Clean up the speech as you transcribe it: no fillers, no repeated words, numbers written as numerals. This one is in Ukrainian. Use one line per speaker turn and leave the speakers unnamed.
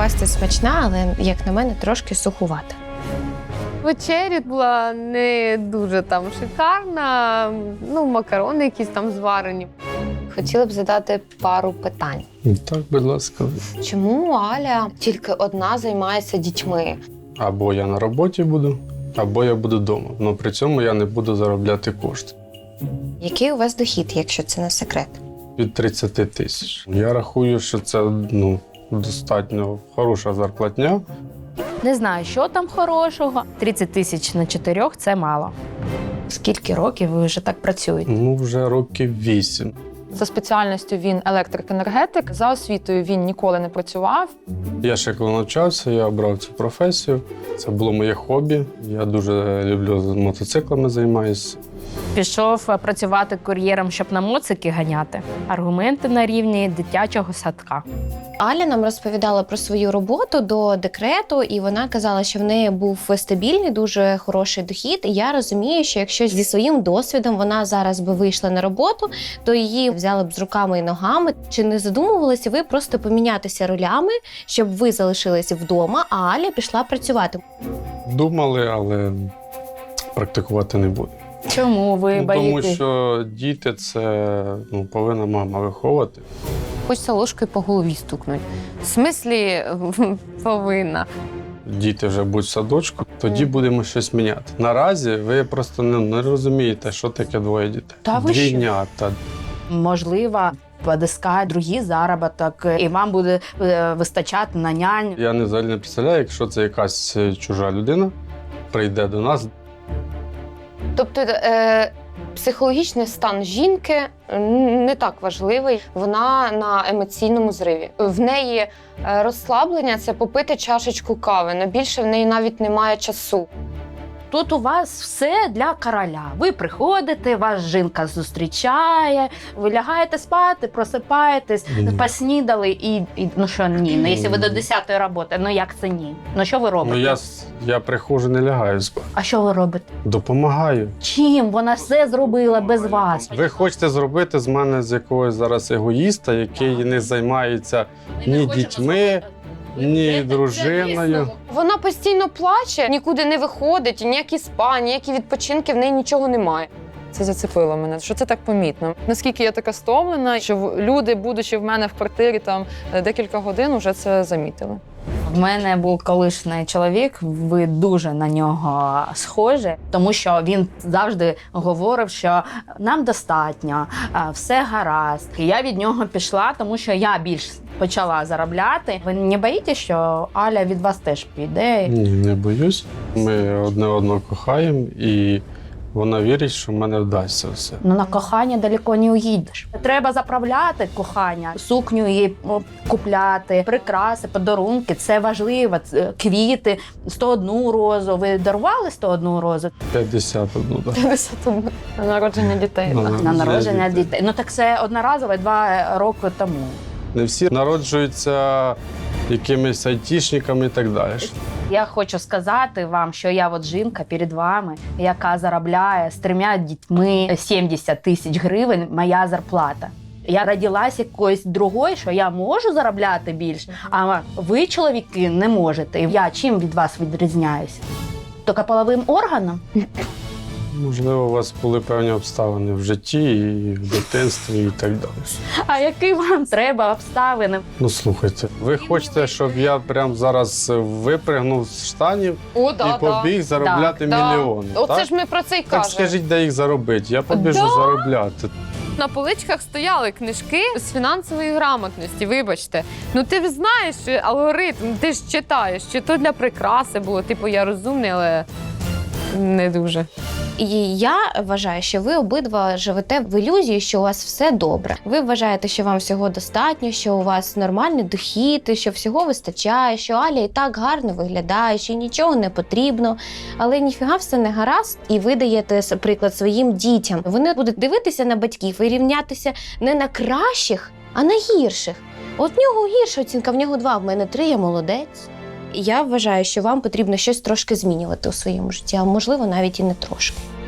паста смачна, але, як на мене, трошки сухувата.
Вечеря була не дуже там шикарна, макарони якісь там зварені. Хотіла б задати пару питань.
Так, будь ласка.
Чому Аля тільки одна займається дітьми?
Або я на роботі буду, або я буду вдома. Але при цьому я не буду заробляти кошти.
Який у вас дохід, якщо це не секрет?
Від 30 тисяч. Я рахую, що це достатньо хороша зарплатня.
Не знаю, що там хорошого. 30 тисяч на 4 – це мало.
Скільки років ви вже так працюєте?
Вже років 8.
За спеціальністю він електрик-енергетик, за освітою він ніколи не працював.
Я ще коли навчався, я обрав цю професію. Це було моє хобі. Я дуже люблю мотоциклами займаюся.
Пішов працювати кур'єром, щоб на моцики ганяти. Аргументи на рівні дитячого садка.
Аля нам розповідала про свою роботу до декрету, і вона казала, що в неї був стабільний, дуже хороший дохід. І я розумію, що якщо зі своїм досвідом вона зараз би вийшла на роботу, то її взяли б з руками і ногами. Чи не задумувалися ви просто помінятися ролями, щоб ви залишилися вдома, а Аля пішла працювати?
Думали, але практикувати не буду.
Чому ви
Тому
боїтесь?
що діти – це повинна мама виховувати.
Хочеться ложкою по голові стукнути. В смислі повинна.
Діти вже будуть в садочку, тоді будемо щось міняти. Наразі ви просто не розумієте, що таке двоє дітей.
Та ви що?
Двійнята.
Можливо, подискає другий заробіток, і вам буде вистачати на нянь.
Я взагалі не представляю, якщо це якась чужа людина прийде до нас.
Тобто психологічний стан жінки не так важливий. Вона на емоційному зриві. В неї розслаблення – це попити чашечку кави, але більше в неї навіть немає часу.
Тут у вас все для короля. Ви приходите, вас жінка зустрічає, ви лягаєте спати, просипаєтесь, поснідали і ну що ні? Ну, якщо ви до 10-ї роботи, ну як це ні? Ну що ви робите?
Я приходжу, не лягаю спати.
А що ви робите?
Допомагаю.
Чим? Вона все зробила без вас.
Ви хочете зробити з мене з якогось зараз егоїста, який не займається ні дітьми, ні дружиною.
Вона постійно плаче, нікуди не виходить, ніякі спа, ніякі відпочинки, в неї нічого немає.
Це зацепило мене, що це так помітно. Наскільки я така стомлена, що люди, будучи в мене в квартирі там декілька годин, вже це замітили.
В мене був колишній чоловік, ви дуже на нього схожі, тому що він завжди говорив, що нам достатньо, все гаразд. І я від нього пішла, тому що я більш почала заробляти. Ви не боїтеся, що Аля від вас теж піде?
Ні, не боюсь. Ми одне одного кохаємо і вона вірить, що в мене вдасться все.
Ну, на кохання далеко не уїдеш. Треба заправляти кохання, сукню їй купляти, прикраси, подарунки. Це важливо. Квіти, 101 розу. Ви дарували 101 розу?
51, так.
51. На народження дітей.
На народження дітей. Ну так це одноразово 2 роки тому.
Не всі народжуються якимись айтішниками і так далі.
Я хочу сказати вам, що я от жінка перед вами, яка заробляє з 3 дітьми 70 тисяч гривень, моя зарплата. Я родилася якоюсь другою, що я можу заробляти більше, а ви, чоловіки, не можете. І я чим від вас відрізняюся? Тільки половим органом?
Можливо, у вас були певні обставини в житті, і в дитинстві і так далі.
А які вам треба обставини?
Ну, слухайте, ви хочете, щоб я прямо зараз випригнув з штанів і побіг заробляти мільйони,
Оце
так?
ж ми про це й
Так
кажемо.
скажіть, де їх заробити, я побіжу заробляти.
На поличках стояли книжки з фінансової грамотності, вибачте. Ну ти ж знаєш алгоритм, ти ж читаєш, чи то для прикраси було, типу я розумний, але не дуже.
І я вважаю, що ви обидва живете в ілюзії, що у вас все добре. Ви вважаєте, що вам всього достатньо, що у вас нормальний дохід, що всього вистачає, що Аля і так гарно виглядає, що нічого не потрібно. Але ніфіга все не гаразд, і ви даєте приклад своїм дітям. Вони будуть дивитися на батьків і рівнятися не на кращих, а на гірших. От в нього гірша оцінка, в нього 2, в мене 3, я молодець. Я вважаю, що вам потрібно щось трошки змінювати у своєму житті, а можливо навіть і не трошки.